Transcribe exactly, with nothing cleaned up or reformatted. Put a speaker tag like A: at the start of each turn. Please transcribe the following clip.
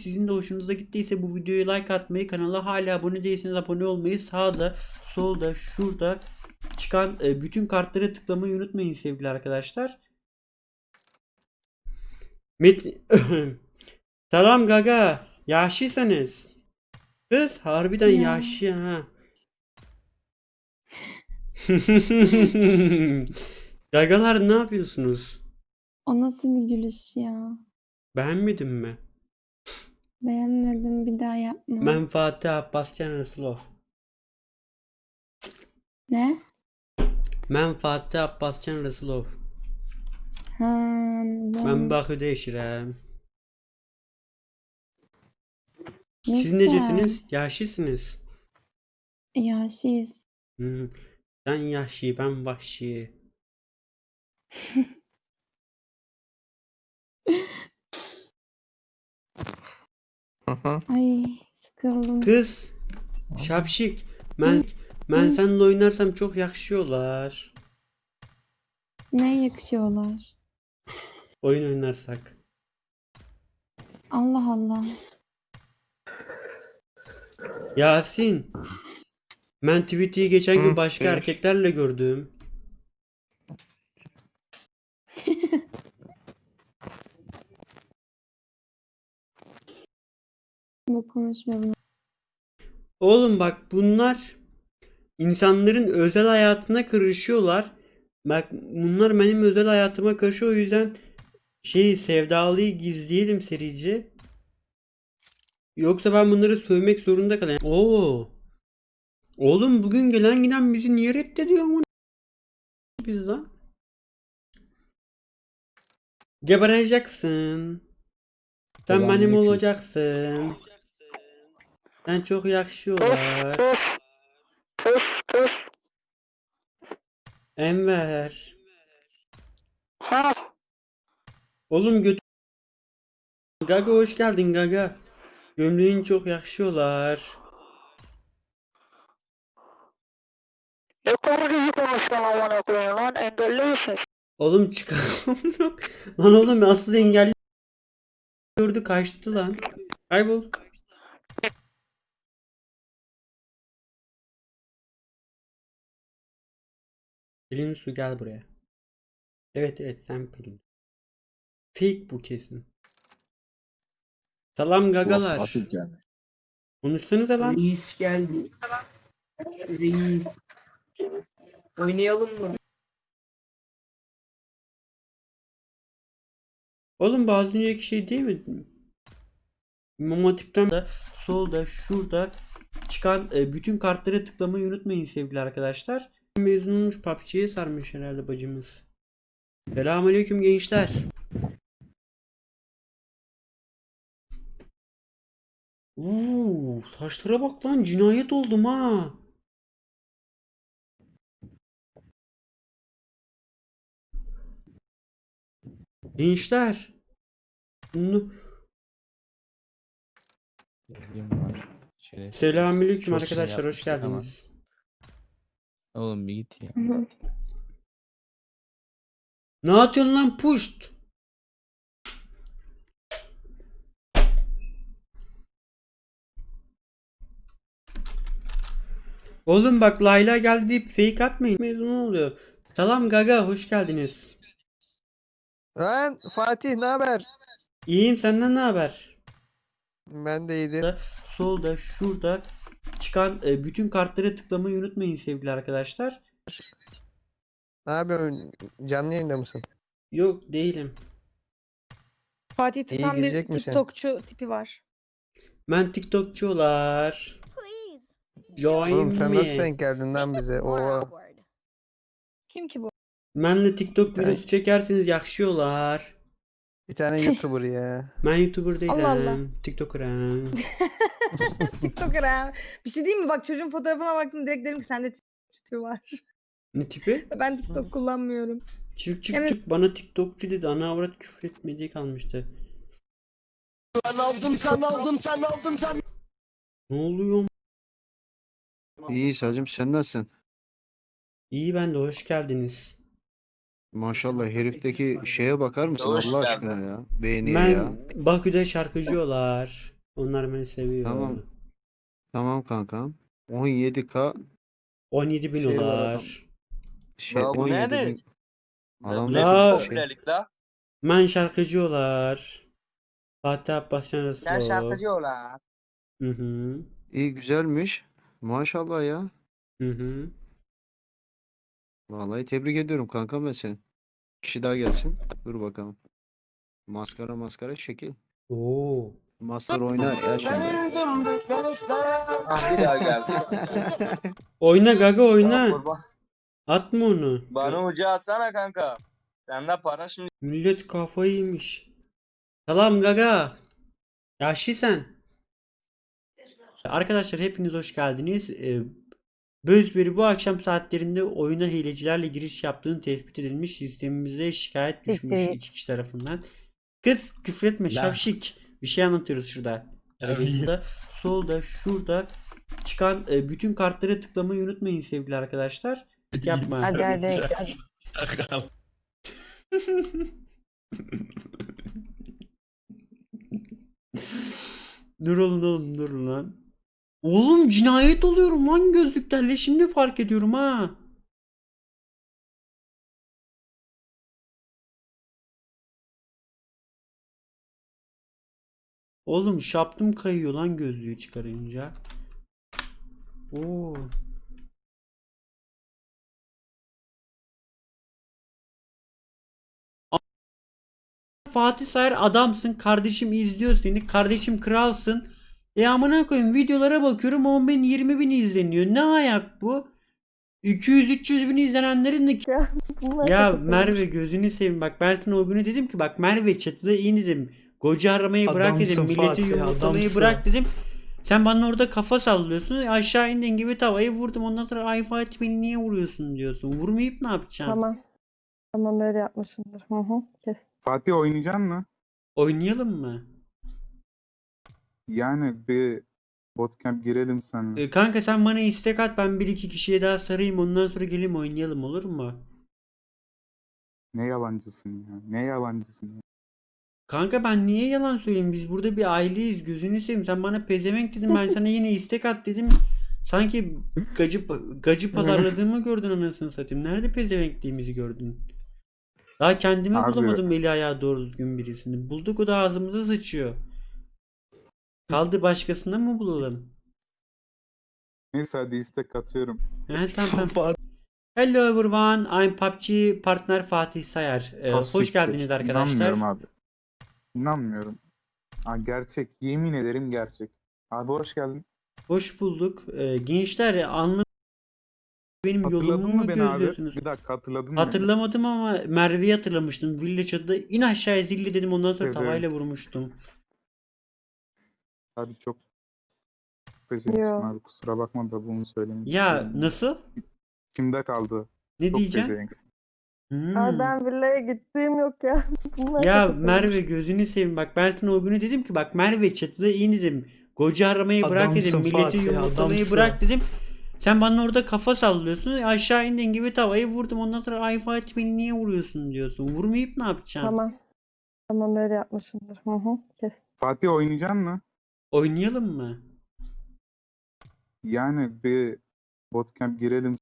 A: Sizin de hoşunuza gittiyse bu videoya like atmayı, kanala hala abone değilseniz abone olmayı, sağda, solda, şurada çıkan e, bütün kartlara tıklamayı unutmayın sevgili arkadaşlar. Met Selam gaga. Yaşlısınız. Kız harbiden
B: Ya.
A: yaşlı ha. Gagalar ne yapıyorsunuz?
B: O nasıl bir gülüş ya?
A: Beğenmedin mi?
B: Beğenmedim, bir daha yapma.
A: Ben Fatih Abbascan Resulov.
B: Ne?
A: Ben Fatih Abbascan Resulov.
B: Ha,
A: Ben
B: anladım.
A: Bakü'de yaşıyorum.
B: Ne
A: Siz
B: güzel.
A: necesiniz? Yaşlısınız.
B: Yaşlıyız.
A: Hmm. Sen yaşlı, ben vahşi.
B: Ay, sıkıldım.
A: Kız, şapşik. Ben ben
B: Hı.
A: seninle oynarsam çok yakışıyorlar.
B: Ne yakışıyorlar?
A: Oyun oynarsak.
B: Allah Allah.
A: Yasin, ben tweet'i geçen gün başka erkeklerle gördüm.
B: Bu konuşma bunu.
A: Oğlum bak bunlar insanların özel hayatına karışıyorlar. Bak bunlar benim özel hayatıma karışıyor, o yüzden şey sevdalıyı gizleyelim serici. Yoksa ben bunları sövmek zorunda kalayım. Oo. Oğlum bugün gelen giden bizi niye reddediyor mu biz lan? Gebereceksin. Sen benim
C: Selamünaleyküm.
A: olacaksın. Sen çok yakışıyorlar.
D: Puf puf.
A: Enver.
D: Ha.
A: Oğlum götür. Gaga hoş geldin Gaga. Gömleğin çok yakışıyorlar.
D: Ne kadar iyi konuşuyorsun amına koyayım lan, engelli misin?
A: Oğlum çıkalım yok. Lan oğlum asıl engelli gördü kaçtı lan. Kaybol. Pelin Su gel buraya. Evet evet sen Pelin. Fake bu kesin. Salam gagalar.
C: Fatih gelmiş.
A: Konuşsanıza lan.
E: Reis geldi. Reis. Oynayalım mı?
A: Oğlum bu az önceki şey değil mi? İmam Hatip'ten de solda şurada çıkan e, bütün kartlara tıklamayı unutmayın sevgili arkadaşlar. Mezun olmuş, P U B G'ye sarmış herhalde bacımız. Selamünaleyküm gençler. Uuu taşlara bak lan, cinayet oldum ha. Gençler. Bunu... Selamünaleyküm
F: Çok şey
A: arkadaşlar, hoş
F: yapmıştık ama.
A: geldiniz.
F: Oğlum bir git ya.
A: Ne atıyorsun lan puşt? Oğlum bak Layla geldi deyip fake atmayın. Mezun oluyor. Salam Gaga hoş geldiniz.
G: Lan Fatih ne haber?
A: İyiyim, senden ne haber?
G: Ben de iyidir.
A: Solda şurada çıkan e, bütün kartlara tıklamayı unutmayın sevgili arkadaşlar.
G: Ne yapıyorsun? Canlı yayında mısın?
A: Yok değilim.
H: Fatih'te
G: İyi
H: tam bir
G: girecek misin?
H: TikTokçu tipi var.
A: Ben TikTokçular. Join
G: Oğlum sen nasıl
A: me.
G: denk geldin lan bize? Oo.
H: Kim ki bu?
A: Benle TikTok
G: Ben-
A: videosu çekerseniz yakışıyorlar.
G: Bir tane YouTuber ya.
A: Ben YouTuber değilim.
H: Allah Allah.
A: TikToker'ım.
H: TikToker ha. Bir şey diyeyim mi? Bak çocuğun fotoğrafına baktım, direkt dedim ki sende TikTokçu tipi var.
A: Ne tipi?
H: Ben TikTok kullanmıyorum.
A: Çık çık
H: Evet.
A: çık bana TikTokçu dedi. Ana avrat küfür etmediği kalmıştı.
E: Sen aldım sen aldım sen aldım sen.
A: Ne oluyor?
C: İyi Sacım, sen nasılsın?
A: İyi, ben de hoş geldiniz.
C: Maşallah herifteki şeye bakar mısın
E: Hoş
C: Allah
E: geldin.
C: aşkına ya. Beğeniye ya.
A: Ben Bakü'de şarkıcıyorlar. Onlar beni seviyor.
C: Tamam. Tamam kankam. on yedi K
A: on yedi bin
C: Şey var
A: dolar.
C: şey
E: Ya bu
C: on yedi
E: nedir?
C: bin adam
A: La-
C: da
E: Ne
C: şey,
E: popülerlik la?
A: Ben şarkıcılar. Fatih Abbasyan
E: Sen
A: Resul.
E: şarkıcı ol ha.
A: Hı hı.
C: iyi güzelmiş. Maşallah ya.
A: Hı hı.
C: Vallahi tebrik ediyorum kankam ben seni. Kişi daha gelsin. Dur bakalım. Maskara maskara şekil.
A: Oo.
C: Master oynar ya şimdi.
E: Ah bir daha geldi.
A: Oyna Gaga
E: Ya
A: oyna.
E: kurban.
A: Atma onu.
E: Bana ucu atsana kanka. Sende para şimdi.
A: Millet kafayı yemiş. Salam Gaga. Yaşlı sen. Arkadaşlar hepiniz hoş geldiniz. Ee, Bözberi bu akşam saatlerinde oyuna hilecilerle giriş yaptığını tespit edilmiş. Sistemimize şikayet düşmüş iki kişi tarafından. Kız küfretme şapşik. Bir şey anlatıyoruz şurada. Arabasında. Solda şurada çıkan e, bütün kartlara tıklamayı unutmayın sevgili arkadaşlar. Yapma.
B: Hadi hadi.
A: Dur oğlum oğlum dur lan. Oğlum cinayet oluyorum lan gözlüklerle şimdi fark ediyorum ha. Oğlum şaptım kayıyor lan gözlüğü çıkarınca. Oo. Fatih Sayar adamsın. Kardeşim izliyor seni. Kardeşim kralsın. E amına koyayım videolara bakıyorum on bin yirmi bin izleniyor. Ne ayak bu? iki yüz üç yüz bin izlenenlerin de ya Merve gözünü seveyim bak ben sana o günü dedim ki bak Merve çatıda in dedim. Gocu aramayı bırak dedim.
I: Adamsın
A: Milleti
I: Fatih,
A: yumurtlamayı
I: adamsın.
A: bırak dedim. Sen bana orada kafa sallıyorsun. Aşağı indiğin gibi tavayı vurdum. Ondan sonra ay Fatih beni niye vuruyorsun diyorsun. Vurmayıp ne yapacaksın?
B: Tamam. Tamam öyle yapmışımdır. Hı hı. Kes.
J: Fatih oynayacaksın mı?
A: Oynayalım mı?
J: Yani bir bootcamp girelim seninle.
A: E, kanka sen bana istek at ben bir iki kişiye daha sarayım ondan sonra geleyim oynayalım olur mu?
J: Ne yalancısın ya. Ne yalancısın ya.
A: Kanka ben niye yalan söyleyeyim biz burada bir aileyiz gözünü seveyim sen bana pezevenk dedim ben sana yine istek at dedim. Sanki gacı, gacı pazarladığımı gördün anasını satayım. Nerede pezevenkliğimizi gördün? Daha kendime
J: Abi-
A: bulamadım eli ayağı doğru düzgün birisini. Bulduk o da ağzımıza sıçıyor. Kaldı başkasına mı bulalım?
J: Neyse hadi istek atıyorum.
A: He tamam tamam. Hello everyone, I'm P U B G partner Fatih Sayar. Ee, hoş
J: Hassiktir.
A: geldiniz arkadaşlar.
J: İnanmıyorum abi. İnanmıyorum. Ha, gerçek. Yemin ederim gerçek. Abi hoş geldin.
A: Hoş bulduk. Ee, gençler anlı benim
J: Hatırladın
A: yolumu
J: mı
A: mu
J: beni abi?
A: gözlüyorsunuz?
J: Bir dakika hatırladın mı beni?
A: Hatırlamadım ama Merve'yi hatırlamıştım. Villa çatıda in aşağıya zilli dedim ondan sonra
J: Evet,
A: tavayla vurmuştum.
J: Abi çok pezevenksin
B: Yo.
J: abi. Kusura bakma da bunu söylemek
A: Ya
J: istedim.
A: nasıl?
J: Kimde kaldı?
A: Ne
J: Çok
A: diyeceksin?
J: pezevenksin.
A: Hmm.
B: Ay ben villaya gittiğim yok ya. Bunlar
A: Ya
B: çok
A: Merve gözünü seveyim bak ben sana o günü dedim ki bak Merve çatıda in dedim. Gocu aramayı bırak dedim.
I: Adamsın
A: Milleti
I: Fatih,
A: yumurtlamayı
I: adamsın.
A: bırak dedim. Sen bana orada kafa sallıyorsun. Aşağı indiğin gibi tavayı vurdum. Ondan sonra ay Fatih beni niye vuruyorsun diyorsun. Vurmayıp ne yapacaksın?
B: Tamam. Tamam öyle yapmışımdır. Hı hı. Kes.
J: Fatih oynayacaksın mı?
A: Oynayalım mı?
J: Yani bir bootcamp girelim